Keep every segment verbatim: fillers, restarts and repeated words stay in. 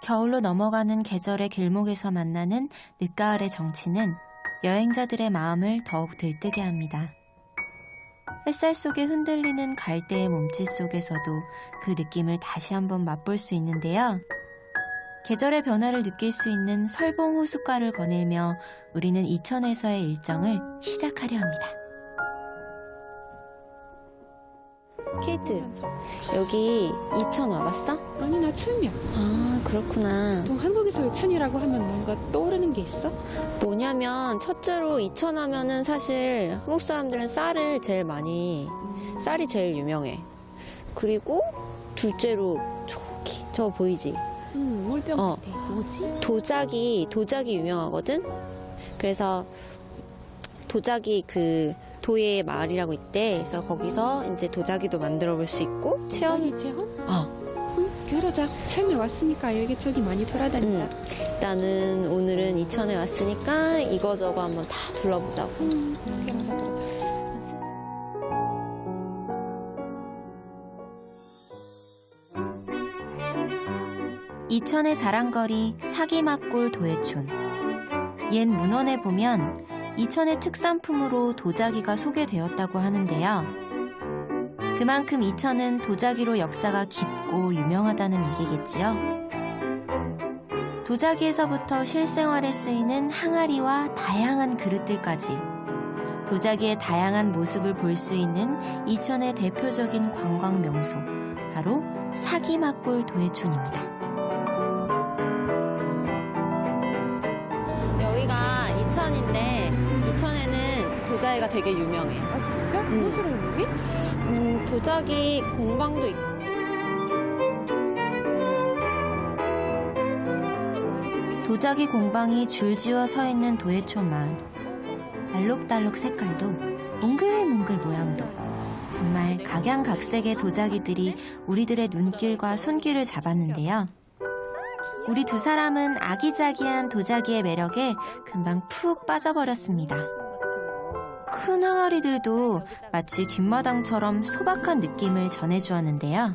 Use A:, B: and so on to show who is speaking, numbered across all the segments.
A: 겨울로 넘어가는 계절의 길목에서 만나는 늦가을의 정취는 여행자들의 마음을 더욱 들뜨게 합니다. 햇살 속에 흔들리는 갈대의 몸짓 속에서도 그 느낌을 다시 한번 맛볼 수 있는데요. 계절의 변화를 느낄 수 있는 설봉 호숫가를 거닐며 우리는 이천에서의 일정을 시작하려 합니다. 케이트, 여기 이천 와봤어?
B: 아니, 나 처음이야.
A: 아, 그렇구나.
B: 보통 한국에서 이천이라고 하면 뭔가 떠오르는 게 있어?
A: 뭐냐면 첫째로 이천 하면은 사실 한국 사람들은 쌀을 제일 많이, 쌀이 제일 유명해. 그리고 둘째로 저기, 저거 보이지?
B: 응, 물병
A: 어.
B: 같아. 뭐지?
A: 도자기, 도자기 유명하거든? 그래서 도자기 그 도예 마을이라고 있대. 그래서 거기서 이제 도자기도 만들어 볼 수 있고 체험.
B: 도자기 체험?
A: 어.
B: 응, 그러자. 처음에 왔으니까 여기저기 많이 돌아다니다.
A: 응. 일단은 오늘은 이천에 왔으니까 이거저거 한번 다 둘러보자고.
B: 응, 그러자, 그러자.
A: 이천의 자랑거리 사기막골 도예촌. 옛 문헌에 보면 이천의 특산품으로 도자기가 소개되었다고 하는데요. 그만큼 이천은 도자기로 역사가 깊고 유명하다는 얘기겠지요. 도자기에서부터 실생활에 쓰이는 항아리와 다양한 그릇들까지 도자기의 다양한 모습을 볼 수 있는 이천의 대표적인 관광 명소, 바로 사기막골 도예촌입니다. 여기가 이천인데 이천에는 도자기가 되게 유명해.
B: 아, 진짜?
A: 응.
B: 무엇으로 유명해?
A: 음, 도자기 공방도 있고. 도자기 공방이 줄지어 서 있는 도예촌 마을. 알록달록 색깔도 몽글몽글 모양도 정말 각양각색의 도자기들이 우리들의 눈길과 손길을 잡았는데요. 우리 두 사람은 아기자기한 도자기의 매력에 금방 푹 빠져버렸습니다. 큰 항아리들도 마치 뒷마당처럼 소박한 느낌을 전해주었는데요.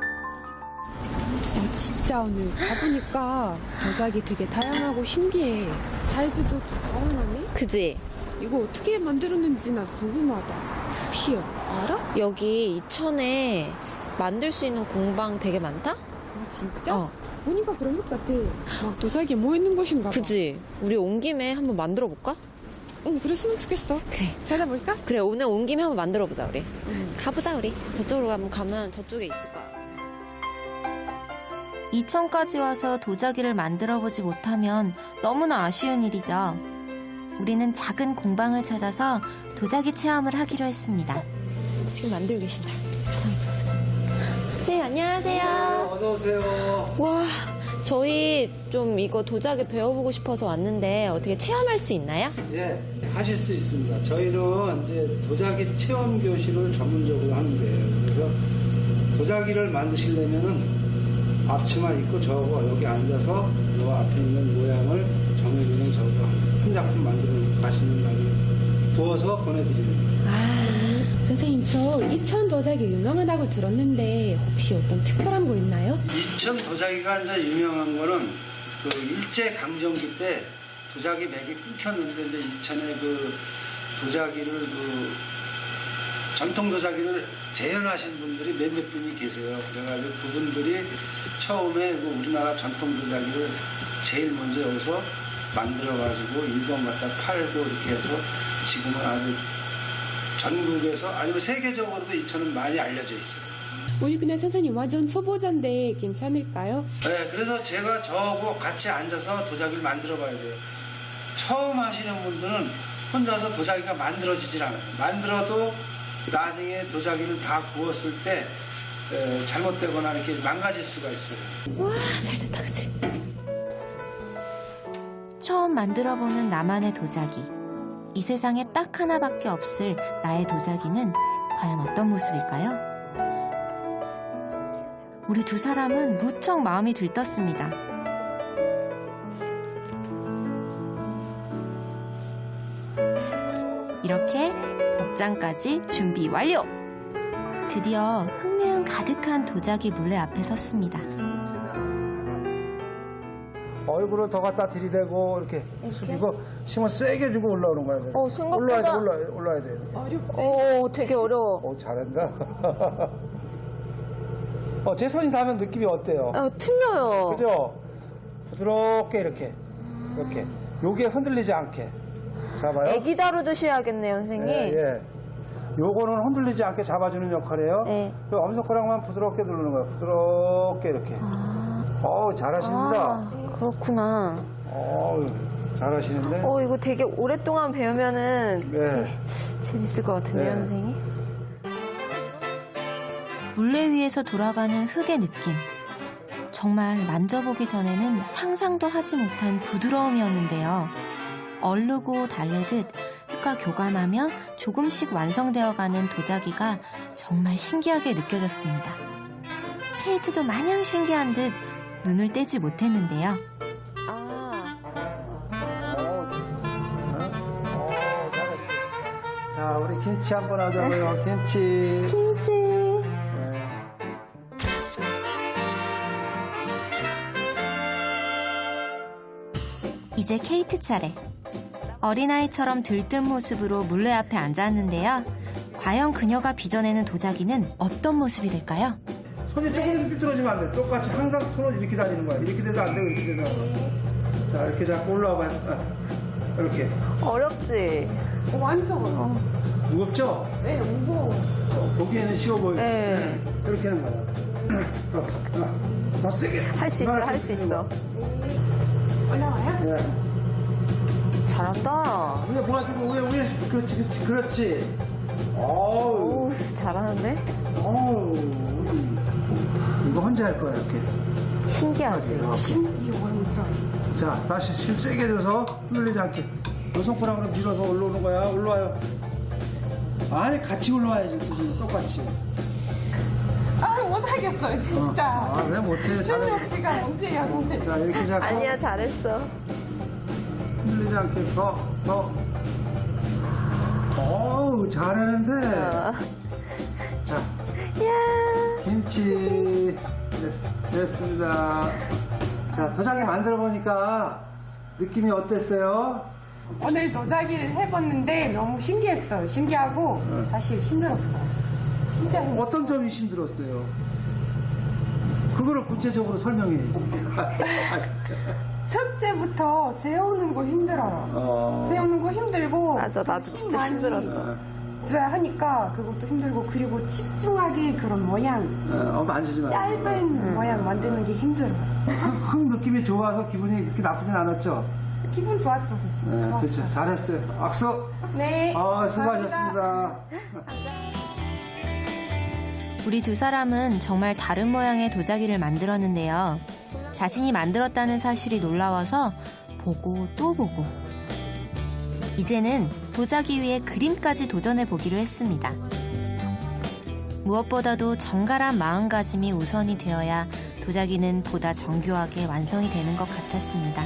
B: 어, 진짜 오늘 가보니까 도자기 되게 다양하고 신기해. 사이즈도 다양하네?
A: 그지?
B: 이거 어떻게 만들었는지 나 궁금하다. 혹시 알아?
A: 여기 이천에 만들 수 있는 공방 되게 많다?
B: 아, 진짜?
A: 어.
B: 보니까 그런 것 같아. 막 도자기에 뭐 있는 것인가 봐.
A: 그지? 우리 온 김에 한번 만들어 볼까?
B: 응, 그랬으면 좋겠어.
A: 그래.
B: 찾아볼까?
A: 그래, 오늘 온 김에 한번 만들어 보자, 우리.
B: 응.
A: 가보자, 우리. 저쪽으로 한번 가면 저쪽에 있을 거야. 이천까지 와서 도자기를 만들어 보지 못하면 너무나 아쉬운 일이죠. 우리는 작은 공방을 찾아서 도자기 체험을 하기로 했습니다. 지금 만들고 계신다. 네, 안녕하세요.
C: 어서 오세요.
A: 와, 저희 좀 이거 도자기 배워보고 싶어서 왔는데 어떻게 체험할 수 있나요?
C: 예, 하실 수 있습니다. 저희는 이제 도자기 체험 교실을 전문적으로 하는데요. 그래서 도자기를 만드시려면은 앞치마 입고 저거 여기 앉아서 요 앞에 있는 모양을 정해주는 저거 한 작품 만들어 가시는 날을 구워서 보내드리는 거예요.
B: 아, 선생님, 저 이천 도자기 유명하다고 들었는데 혹시 어떤 특별한 거 있나요?
C: 이천 도자기가 이제 유명한 거는 그 일제 강점기 때 도자기 맥이 끊겼는데 이제 이천에 그 도자기를 그 전통 도자기를 재현하신 분들이 몇몇 분이 계세요. 그래가지고 그분들이 처음에 그 우리나라 전통 도자기를 제일 먼저 여기서 만들어가지고 일본 갖다 팔고 이렇게 해서 지금은 아주 전국에서 아니면 세계적으로도 이천은 많이 알려져 있어요.
B: 우리 근데 선생님 완전 초보자인데 괜찮을까요?
C: 네, 그래서 제가 저하고 같이 앉아서 도자기를 만들어 봐야 돼요. 처음 하시는 분들은 혼자서 도자기가 만들어지질 않아요. 만들어도 나중에 도자기를 다 구웠을 때 에, 잘못되거나 이렇게 망가질 수가 있어요.
A: 와, 잘 됐다, 그치? 처음 만들어보는 나만의 도자기. 이 세상에 딱 하나밖에 없을 나의 도자기는 과연 어떤 모습일까요? 우리 두 사람은 무척 마음이 들떴습니다. 이렇게 복장까지 준비 완료! 드디어 흥미흥 가득한 도자기 물레 앞에 섰습니다.
C: 얼굴을 더 갖다 들이대고 이렇게, 숙이고 힘을 세게 주고 올라오는 거야.
D: 어, 생각보다-
C: 올라야 돼, 올라, 올라야 돼. 이렇게.
B: 어렵지.
D: 오, 되게 어려워.
C: 오, 잘한다. 어, 제 손이 닿으면 느낌이 어때요?
D: 어, 틀려요.
C: 그죠? 부드럽게 이렇게, 이렇게. 요게 흔들리지 않게. 잡아요.
D: 애기 다루듯이 해야겠네요, 선생님.
C: 예, 예. 요거는 흔들리지 않게 잡아주는 역할이에요.
D: 네.
C: 그 엄지손가락만 부드럽게 누르는 거예요. 부드럽게 이렇게. 어우, 잘하십니다.
D: 아, 그렇구나.
C: 어우, 잘하시는데.
D: 어, 이거 되게 오랫동안 배우면은
C: 네.
D: 재밌을 것 같은데요,
C: 네.
D: 선생님?
A: 물레 위에서 돌아가는 흙의 느낌. 정말 만져보기 전에는 상상도 하지 못한 부드러움이었는데요. 얼르고 달래듯 흙과 교감하며 조금씩 완성되어가는 도자기가 정말 신기하게 느껴졌습니다. 케이트도 마냥 신기한 듯 눈을 떼지 못했는데요.
D: 아,
C: 어, 어, 잘했어. 자, 우리 김치 한번 하자고요. 김치.
D: 김치.
C: 네.
A: 이제 케이트 차례. 어린아이처럼 들뜬 모습으로 물레 앞에 앉았는데요. 과연 그녀가 빚어내는 도자기는 어떤 모습이 될까요?
C: 손이 조금이라도 삐뚤어지면 안 돼. 똑같이 항상 손을 이렇게 다니는 거야. 이렇게 돼도 안 되고 이렇게 돼도 안 돼. 자, 이렇게 잡고 올라와봐요. 아, 이렇게.
D: 어렵지?
B: 어, 완전.
D: 어.
C: 무겁죠?
B: 네, 무거워.
C: 어, 보기에는 쉬워 보이지.
D: 네.
C: 이렇게 하는 거야. 더, 더, 더 세게.
D: 할 수 있어,
C: 이만하게
D: 할 수 있어.
B: 올라와요?
C: 네.
D: 잘한다.
C: 위에 모아주고 위에 위에 그렇지 그렇지 그렇지. 어우
D: 오, 잘하는데?
C: 어우 이거 혼자 할 거야 이렇게.
D: 신기하지?
B: 신기해, 완전.
C: 자 다시 힘 세게 줘서 흔들리지 않게. 요 손가락으로 밀어서 올라오는 거야. 올라와요. 아니 같이 올라와야지 그지 똑같이.
B: 아, 못하겠어요, 진짜.
C: 아 왜 못해? 잘해.
B: 능력치가 문제야, 선생님.
C: 자 이렇게 잡고
D: 아니야, 잘했어.
C: 흔들리지 않게 더 더. 어우 잘하는데.
D: 어.
C: 자.
D: 야,
C: 김치 네, 됐습니다. 자 도자기 만들어 보니까 느낌이 어땠어요?
B: 오늘 도자기를 해봤는데 너무 신기했어요. 신기하고 사실 힘들었어요. 진짜 힘들었어요.
C: 어떤 점이 힘들었어요? 그거를 구체적으로 설명해.
B: 첫째부터 세우는 거 힘들어요.
C: 어.
B: 세우는 거 힘들고
D: 맞아, 나도 진짜
B: 많이
D: 힘들었어.
B: 줘야 하니까 그것도 힘들고 그리고 집중하게 그런 모양
C: 어, 만지지 마.
B: 짧은 모양 만드는 게 힘들어요.
C: 흙, 흙 느낌이 좋아서 기분이 그렇게 나쁘진 않았죠?
B: 기분 좋았죠.
C: 네,
B: 좋았어요.
C: 그렇죠. 잘했어요. 악수.
B: 네.
C: 어,
B: 감사합니다.
C: 수고하셨습니다.
A: 우리 두 사람은 정말 다른 모양의 도자기를 만들었는데요. 자신이 만들었다는 사실이 놀라워서 보고 또 보고. 이제는 도자기 위에 그림까지 도전해 보기로 했습니다. 무엇보다도 정갈한 마음가짐이 우선이 되어야 도자기는 보다 정교하게 완성이 되는 것 같았습니다.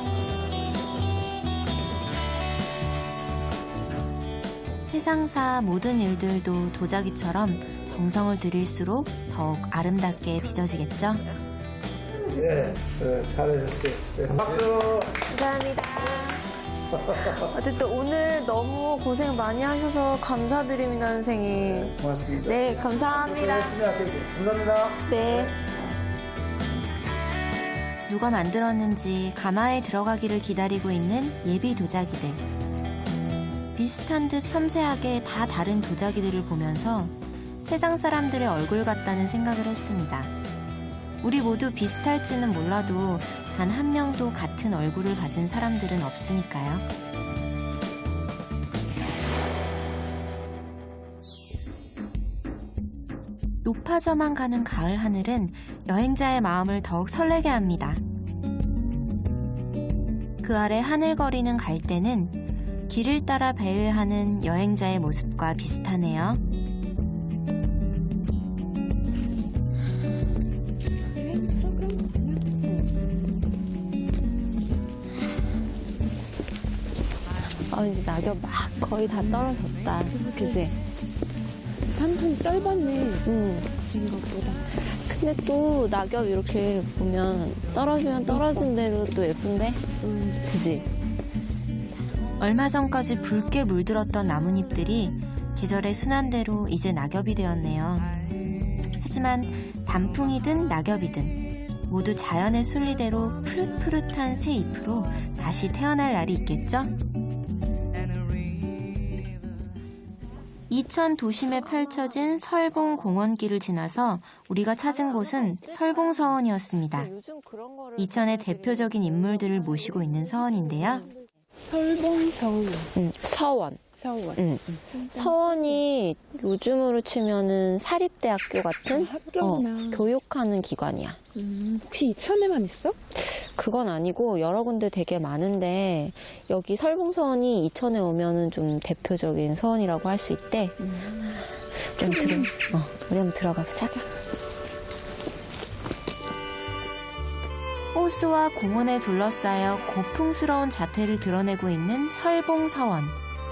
A: 세상사 모든 일들도 도자기처럼 정성을 들일수록 더욱 아름답게 빚어지겠죠?
C: 예, 네, 잘하셨어요. 네, 박수.
D: 감사합니다. 어쨌든 오늘 너무 고생 많이 하셔서 감사드립니다, 선생님.
C: 고맙습니다.
D: 네, 감사합니다.
C: 열심히 할게요. 감사합니다.
D: 네.
A: 누가 만들었는지 가마에 들어가기를 기다리고 있는 예비 도자기들. 비슷한 듯 섬세하게 다 다른 도자기들을 보면서 세상 사람들의 얼굴 같다는 생각을 했습니다. 우리 모두 비슷할지는 몰라도 단 한 명도 같은 얼굴을 가진 사람들은 없으니까요. 높아져만 가는 가을 하늘은 여행자의 마음을 더욱 설레게 합니다. 그 아래 하늘거리는 갈대는 길을 따라 배회하는 여행자의 모습과 비슷하네요.
D: 아, 이제 낙엽 막 거의 다 떨어졌다. 그지?
B: 한참 짧았네.
D: 응. 생각보다. 근데 또 낙엽 이렇게 보면 떨어지면 떨어진 대로 또 예쁜데? 음. 그지?
A: 얼마 전까지 붉게 물들었던 나뭇잎들이 계절의 순환대로 이제 낙엽이 되었네요. 하지만 단풍이든 낙엽이든 모두 자연의 순리대로 푸릇푸릇한 새 잎으로 다시 태어날 날이 있겠죠? 이천 도심에 펼쳐진 설봉공원길을 지나서 우리가 찾은 곳은 설봉서원이었습니다.
D: 요즘 그런 거를
A: 이천의 대표적인 인물들을 모시고 있는 서원인데요.
B: 설봉서원.
D: 응, 서원.
B: 서원.
D: 응. 서원이 요즘으로 치면은 사립대학교 같은
B: 학교구나.
D: 어, 교육하는 기관이야.
B: 음, 혹시 이천에만 있어?
D: 그건 아니고 여러 군데 되게 많은데 여기 설봉서원이 이천에 오면은 좀 대표적인 서원이라고 할 수 있대. 음. 우리 한번 들어, 어, 우리 한번 들어가 보자.
A: 호수와 공원에 둘러싸여 고풍스러운 자태를 드러내고 있는 설봉서원.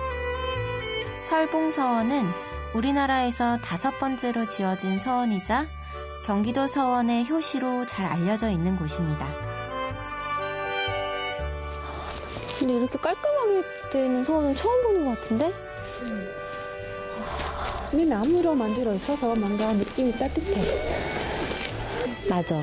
A: 설봉서원은 우리나라에서 다섯 번째로 지어진 서원이자 경기도 서원의 효시로 잘 알려져 있는 곳입니다.
D: 근데 이렇게 깔끔하게 되어 있는 서원은 처음 보는 것 같은데?
B: 이 나무로 만들어 있어서 뭔가 느낌이 따뜻해.
D: 맞아.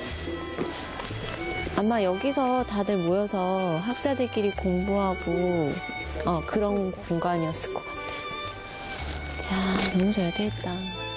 D: 아마 여기서 다들 모여서 학자들끼리 공부하고 어, 그런 공간이었을 것 같아. 야, 너무 잘 돼 있다.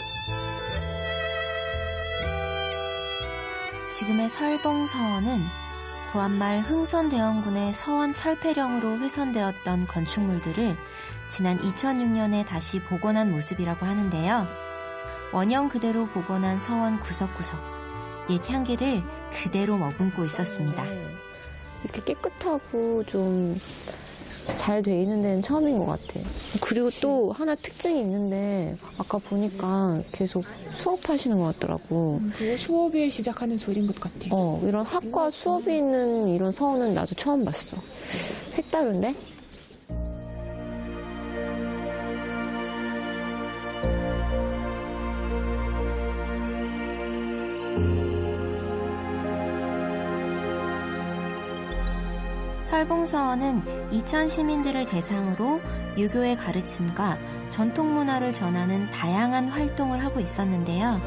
A: 지금의 설봉서원은 구한말 흥선대원군의 서원 철폐령으로 훼손되었던 건축물들을 지난 이천육 년에 다시 복원한 모습이라고 하는데요. 원형 그대로 복원한 서원 구석구석, 옛 향기를 그대로 머금고 있었습니다.
D: 이렇게 깨끗하고 좀 잘 돼 있는 데는 처음인 것 같아. 그리고 또 하나 특징이 있는데 아까 보니까 계속 수업하시는 것 같더라고.
B: 그거 수업에 시작하는 소리인 것 같아.
D: 어, 이런 학과 수업이 있는 이런 서원은 나도 처음 봤어. 색다른데?
A: 설봉서원은 이천 시민들을 대상으로 유교의 가르침과 전통 문화를 전하는 다양한 활동을 하고 있었는데요.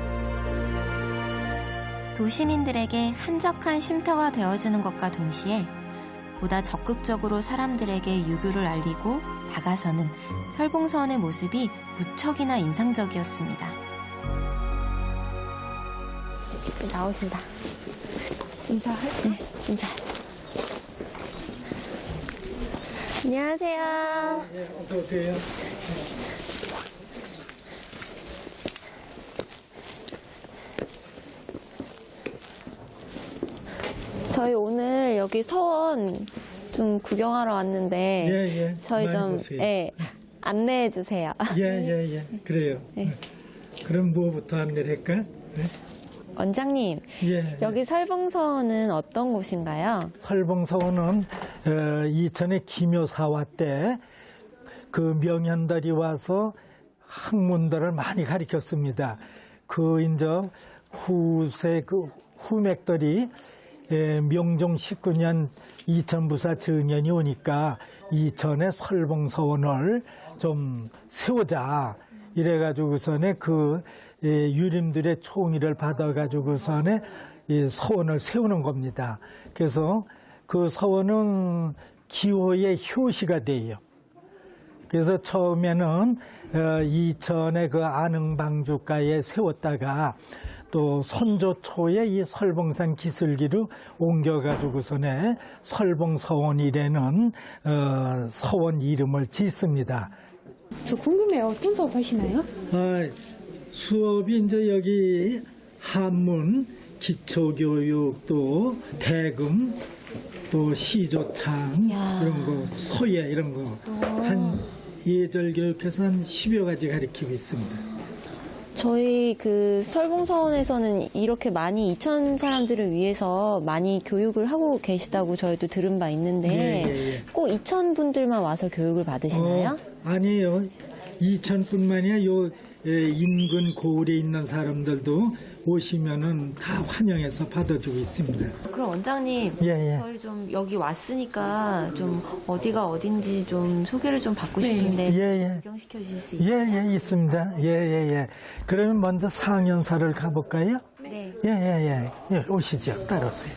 A: 도시민들에게 한적한 쉼터가 되어주는 것과 동시에 보다 적극적으로 사람들에게 유교를 알리고 다가서는 설봉서원의 모습이 무척이나 인상적이었습니다.
D: 나오신다.
B: 인사할?
D: 네, 인사. 안녕하세요.
E: 네, 어서 오세요.
D: 저희 오늘 여기 서원 좀 구경하러 왔는데
E: 예, 예.
D: 저희
E: 많이
D: 좀
E: 보세요.
D: 예, 안내해 주세요.
E: 예, 예, 예. 그래요.
D: 네.
E: 그럼 뭐부터 안내를 할까? 네?
D: 원장님,
E: 예.
D: 여기 설봉서원은 어떤 곳인가요?
E: 설봉서원은 어, 이천의 기묘사화 때 그 명현들이 와서 학문들을 많이 가르쳤습니다. 그 이제 후세 그 후맥들이 예, 명종 십구 년 이천부사 정년이 오니까 이천의 설봉서원을 좀 세우자 이래가지고서는 그 예, 유림들의 총의를 받아가지고서는 이 서원을 세우는 겁니다. 그래서 그 서원은 기호의 효시가 돼요. 그래서 처음에는 어, 이천의 그 안흥방주가에 세웠다가 또 선조초에 이 설봉산 기슭기로 옮겨가지고서는 설봉서원이라는 어, 서원 이름을 짓습니다.
B: 저 궁금해요. 어떤 수업 하시나요?
E: 아, 수업이 이제 여기 한문, 기초교육, 또 대금, 또 시조창
D: 야.
E: 이런 거, 소예 이런 거 한 예절 교육해서 한 십여 가지 가르치고 있습니다.
D: 저희 그 설봉서원에서는 이렇게 많이 이천 사람들을 위해서 많이 교육을 하고 계시다고 저희도 들은 바 있는데
E: 예, 예, 예.
D: 꼭 이천 분들만 와서 교육을 받으시나요?
E: 어, 아니에요. 이천뿐만이 아니라 요 예, 인근 고을에 있는 사람들도 오시면은 다 환영해서 받아주고 있습니다.
A: 그럼 원장님,
E: 예, 예.
A: 저희 좀 여기 왔으니까 좀 어디가 어딘지 좀 소개를 좀 받고 싶은데
E: 예, 예.
A: 구경시켜 주실 수
E: 예,
A: 있어요?
E: 예, 있습니다. 예, 예, 예. 그러면 먼저 상현사를 가볼까요?
A: 네.
E: 예, 예, 예. 예, 오시죠. 따라오세요.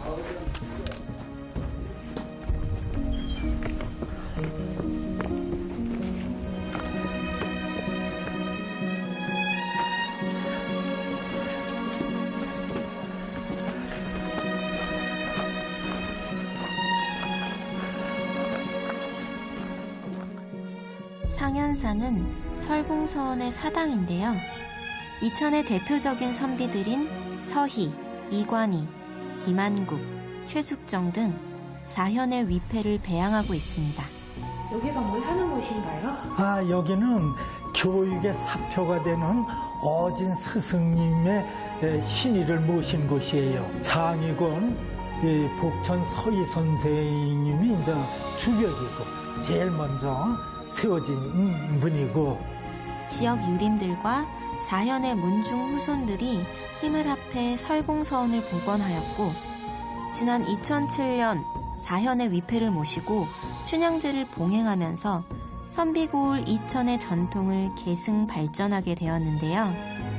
A: 상현사는 설봉서원의 사당인데요. 이천의 대표적인 선비들인 서희, 이관희, 김한국, 최숙정 등 사현의 위패를 배양하고 있습니다.
B: 여기가 뭘 하는 곳인가요?
E: 아, 여기는 교육의 사표가 되는 어진 스승님의 에, 신의를 모신 곳이에요. 장이곤 이 북천 서희 선생님이 이제 주벽이고 제일 먼저 세워진 분이고,
A: 지역 유림들과 사현의 문중 후손들이 힘을 합해 설봉서원을 복원하였고, 지난 이천칠 년 사현의 위패를 모시고 춘향제를 봉행하면서 선비고을 이천의 전통을 계승 발전하게 되었는데요.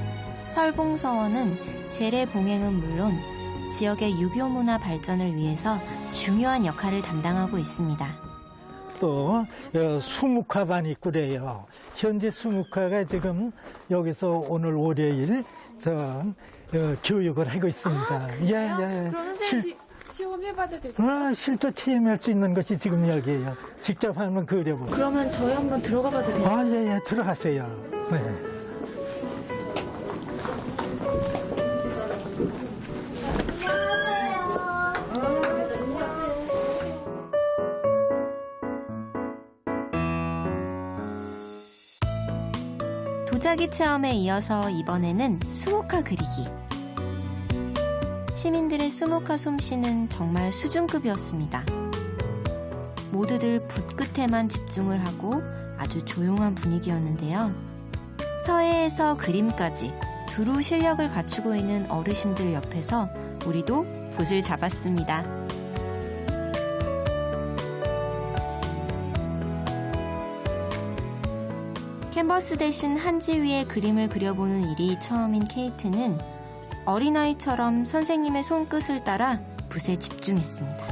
A: 설봉서원은 제례 봉행은 물론 지역의 유교 문화 발전을 위해서 중요한 역할을 담당하고 있습니다.
E: 또 어, 수묵화반이 있고래요. 현재 수묵화가 지금 여기서 오늘 월요일 저 어, 교육을 하고 있습니다. 예, 예.
B: 그러면
E: 실,
B: 체험해봐도 될까요?
E: 어, 실제 체험할 수 있는 것이 지금 여기에요. 직접 한번 그려보고.
A: 그러면 저희 한번 들어가 봐도 돼요?
E: 아, 예, 예. 들어가세요. 네.
A: 도자기 체험에 이어서 이번에는 수목화 그리기. 시민들의 수목화 솜씨는 정말 수준급이었습니다. 모두들 붓 끝에만 집중을 하고 아주 조용한 분위기였는데요. 서해에서 그림까지 두루 실력을 갖추고 있는 어르신들 옆에서 우리도 붓을 잡았습니다. 캔버스 대신 한지 위에 그림을 그려보는 일이 처음인 케이트는 어린아이처럼 선생님의 손끝을 따라 붓에 집중했습니다.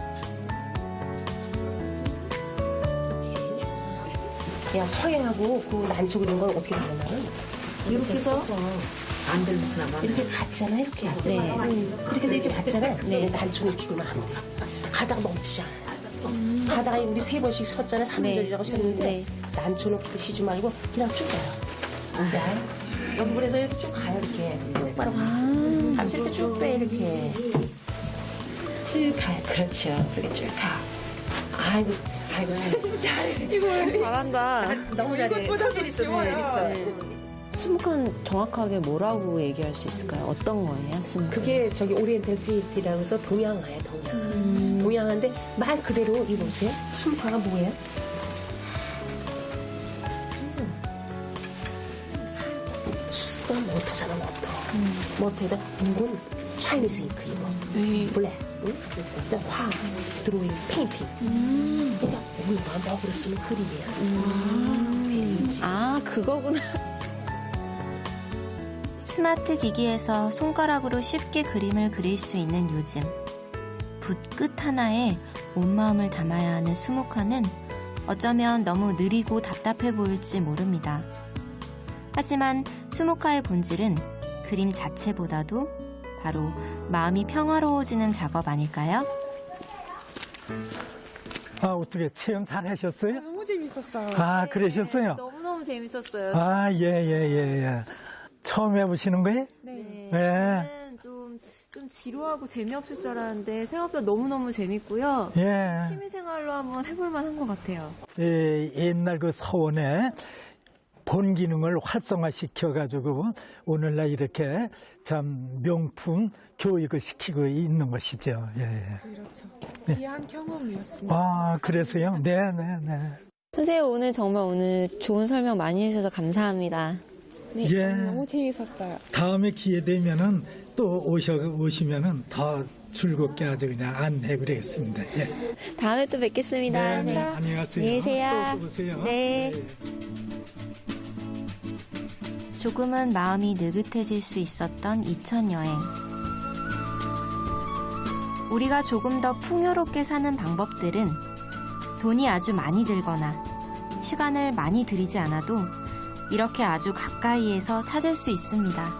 F: 야, 서해하고 그 난초 그린 건 어떻게 다르냐면 이렇게 해서 안 들리시나 이렇게 같잖아, 이렇게.
A: 네.
F: 그렇게 해서 이렇게 봤잖아.
A: 네.
F: 난초 이렇게 그리면 안 돼. 가다가 멈추잖아. 가다가 우리 세 번씩 섰잖아. 삼절이라고
A: 네.
F: 섰는데
A: 네.
F: 난초는 그렇게 쉬지 말고 그냥 쭉 가요. 네. 여기 그래서 이렇게 쭉 가요, 이렇게. 똑바로 가. 감실 때 쭉 빼, 이렇게. 쭉 가요. 그렇죠. 그렇게 쭉 가. 아이고, 아이고. 잘해.
A: 잘한다.
F: 너무 잘해. 소질 있어, 소질 있어.
D: 수묵화는 정확하게 뭐라고 얘기할 수 있을까요? 어떤 거예요, 수묵화?
F: 그게 저기 오리엔탈 페인트라고 해서 동양화야, 동양. 동양화인데 말 그대로 이거 보세요. 수묵화가 뭐예요? 수가 모터잖아, 모터. 모터에다 묵은 차이니스 잉크 이거. 블랙. 응? 그다음 화, 드로잉, 페인팅. 그러니까 우리가 먹으로 쓰는 그림이야.
D: 아, 그거구나.
A: 스마트 기기에서 손가락으로 쉽게 그림을 그릴 수 있는 요즘. 붓 끝 하나에 온 마음을 담아야 하는 수묵화는 어쩌면 너무 느리고 답답해 보일지 모릅니다. 하지만 수묵화의 본질은 그림 자체보다도 바로 마음이 평화로워지는 작업 아닐까요?
E: 아, 어떻게 체험 잘 하셨어요?
B: 너무 재밌었어요.
E: 아, 그러셨어요?
A: 너무너무 재밌었어요.
E: 아, 예, 예, 예, 예. 처음 해보시는 거예요?
B: 네.
E: 네.
A: 처음에는 좀, 좀 지루하고 재미없을 줄 알았는데 생각보다 너무너무 재밌고요.
E: 예.
A: 취미생활로 한번 해볼 만한 것 같아요.
E: 예, 옛날 그 서원에 본 기능을 활성화시켜가지고 오늘날 이렇게 참 명품 교육을 시키고 있는 것이죠. 예.
B: 그렇죠. 귀한 경험이었습니다.
E: 아, 그래서요? 네, 네, 네.
D: 선생님 오늘 정말 오늘 좋은 설명 많이 해주셔서 감사합니다. 네,
E: 예.
D: 너무 재밌었어요.
E: 다음에 기회 되면은 또 오셔 오시면은 더 즐겁게 아주 그냥 안내해 드리겠습니다. 예.
D: 다음에 또 뵙겠습니다.
E: 네,
D: 네.
E: 안녕히 가세요.
D: 안녕히 계세요.
E: 또 오세요.
D: 네.
A: 조금은 마음이 느긋해질 수 있었던 이천 여행. 우리가 조금 더 풍요롭게 사는 방법들은 돈이 아주 많이 들거나 시간을 많이 들이지 않아도 이렇게 아주 가까이에서 찾을 수 있습니다.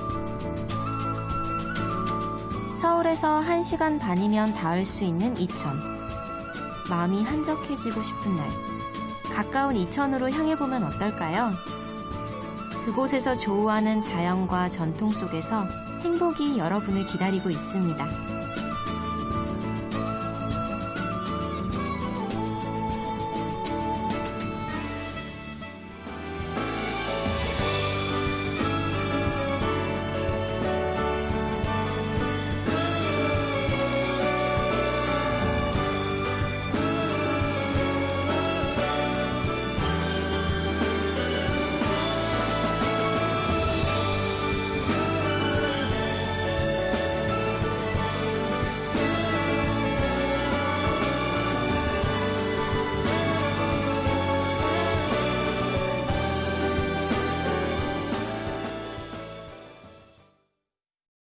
A: 서울에서 한 시간 반이면 닿을 수 있는 이천. 마음이 한적해지고 싶은 날, 가까운 이천으로 향해보면 어떨까요? 그곳에서 조우하는 자연과 전통 속에서 행복이 여러분을 기다리고 있습니다.